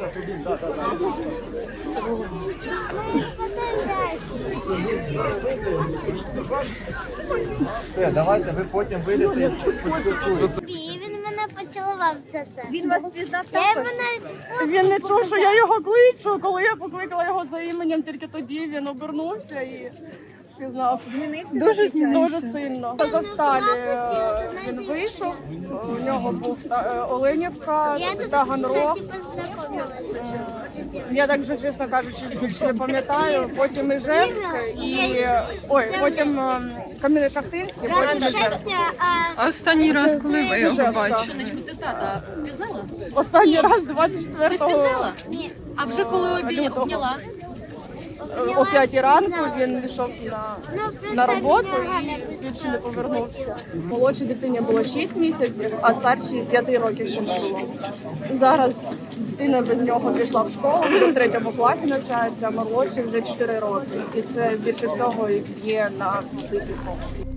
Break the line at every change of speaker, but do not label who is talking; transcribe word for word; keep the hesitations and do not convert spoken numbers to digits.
Все, давайте ви потім вийдете і поспілкуєтеся.
І він мене поцілував за це.
Він вас впізнав
Я йому
також?
навіть фото.
Він не чув, що я його кличу. Коли я покликала його за іменем, тільки тоді він обернувся і пізнав.
Змінився?
Дуже,
такий чоловік?
дуже сильно. Завсталі він вийшов, у нього був та- е, Оленівка,
Я тут,
Таганрог.
кстати, познайомилася.
Я так вже, чесно кажучи, більше не пам'ятаю. Потім Іжевськ і ой, потім ем, Кам'янець-Шахтинський, потім
Ради
Іжевськ.
щастя, а
А останній раз, коли ви його
Ижевська.
бачили?
Останній раз двадцять четвертого
ні.
А вже коли обі-
лютого.
обняла?
О п'ятій ранку він йшов на,
Ну, просто
на роботу
мене
і
Галя
більше не
писала.
повернувся. Молодшій дитині було шість місяців, а старшій п'яти років ще не було. Зараз дитина без нього пішла в школу, вже в третьому класі навчається, а молодший вже чотири роки. І це більше всього і б'є на психіку.